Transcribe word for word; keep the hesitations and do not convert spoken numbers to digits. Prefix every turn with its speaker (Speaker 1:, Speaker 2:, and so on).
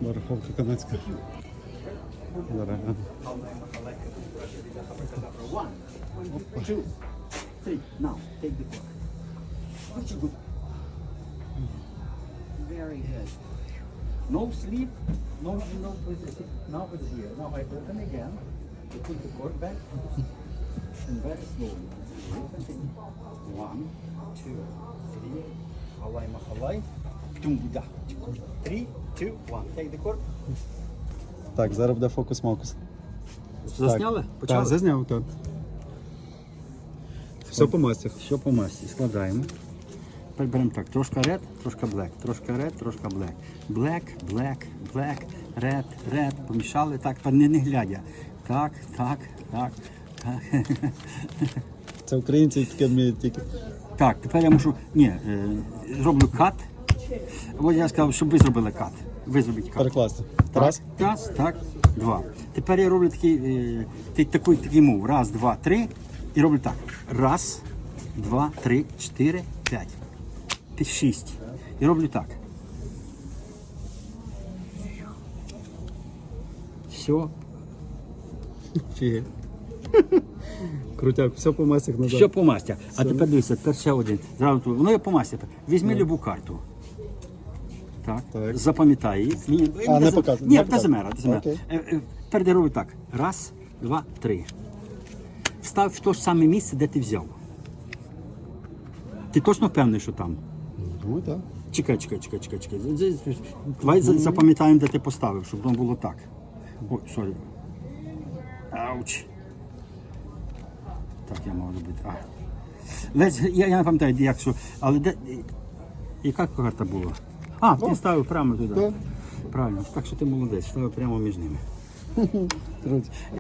Speaker 1: Бараховка канадська. Зараз.
Speaker 2: One, two, three. Now take the cork. What you do? Very good. No sleep. No, no position. Now it's here. Now I open again. You put the cork back and very slowly. One, two, three. Halay mahalay. Tum-da. Three, two, one. Take the cork.
Speaker 1: Так, зараз буде фокус-мокус.
Speaker 2: Засняли?
Speaker 1: Так, зазняв, так. Все по мастях.
Speaker 2: Все по масті. Складаємо. Тепер беремо так, трошки red, трошки black, трошки red, трошки black. Black, black, black, red, red. Помішали так, тепер не, не глядя. Так, так, так, так.
Speaker 1: Це українці таке вміють тільки.
Speaker 2: Так, тепер я мушу, ні, е, зроблю кат. От я сказав, щоб ви зробили кат. Ви зробіть кат.
Speaker 1: Перекласти.
Speaker 2: Так,
Speaker 1: Раз.
Speaker 2: раз, так, два. Тепер я роблю такий, е, такий, такий, такий мов. Раз, два, три. І роблю так. Раз, два, три, чотири, п'ять. П'ять, шість. І роблю так. Все.
Speaker 1: Фіги. Крутяк, все по мастях назад.
Speaker 2: Все по масті. А тепер дивіться, тепер ще один. Зразу тут. Воно є по масті. Візьми любу карту. Так.
Speaker 1: Так.
Speaker 2: Запам'ятай її. Ні,
Speaker 1: А, не
Speaker 2: без-
Speaker 1: показуй,
Speaker 2: Ні,
Speaker 1: не
Speaker 2: без
Speaker 1: показуй.
Speaker 2: замера, без замера.
Speaker 1: Окей.
Speaker 2: Е, е, Тепер я роблю так. Раз, два, три. Встав в те ж саме місце, де ти взяв. Ти точно впевнений, що там?
Speaker 1: Ну так.
Speaker 2: Чекай, чекай, чекай, чекай, чекай. З- з- з- Давай за- запам'ятаємо, де ти поставив, щоб воно було так. Ой, сорі. Ауч. Так я мав робити. А. Лесь, я, я не пам'ятаю, як що. Але де. Яка карта була? А, ти ставив прямо туди.
Speaker 1: Так.
Speaker 2: Правильно, так що ти молодець, ставив прямо між ними.
Speaker 1: Круть.